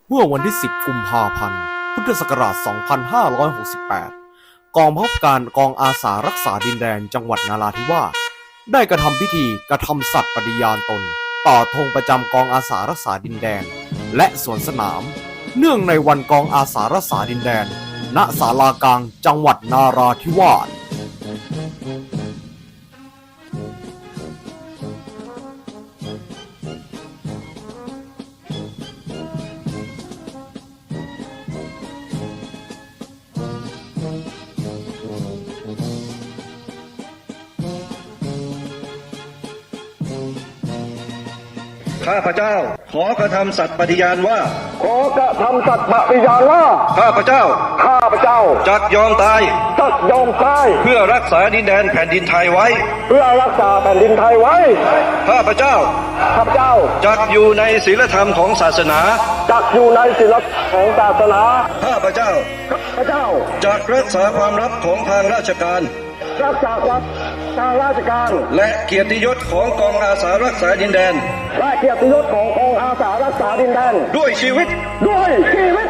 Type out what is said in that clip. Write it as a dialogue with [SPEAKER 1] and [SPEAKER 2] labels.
[SPEAKER 1] เมื่อวันที่ 10 กุมภาพันธ์ พุทธศักราช 2568 กองบังคับการกองอาสารักษาดินแดนจังหวัดนราธิวาสได้กระทำพิธีกระทำสัตย์ปฏิญาณตนต่อธงประจำกองอาสารักษาดินแดนและสวนสนามเนื่องในวันกองอาสารักษาดินแดนณศาลากลางจังหวัดนาราธิวาส
[SPEAKER 2] ข้าพเจ้าขอกระทำสัตย์ปฏิญาณว่า
[SPEAKER 3] ขอกระทำสัตย์ปฏิญาณว่า
[SPEAKER 2] ข้าพเจ้า
[SPEAKER 3] จัก
[SPEAKER 2] ยอมตาย
[SPEAKER 3] เพื่อรักษา
[SPEAKER 2] ดินแดนแผ่นดินไทยไว้ข้าพเจ้าจักอยู่ในศีลธรรมของศาสนาข้าพเจ้าจักรักษาความลับของทางราชการและเกียรติยศของกองอาสารักษาดินแดนด้วยชีวิต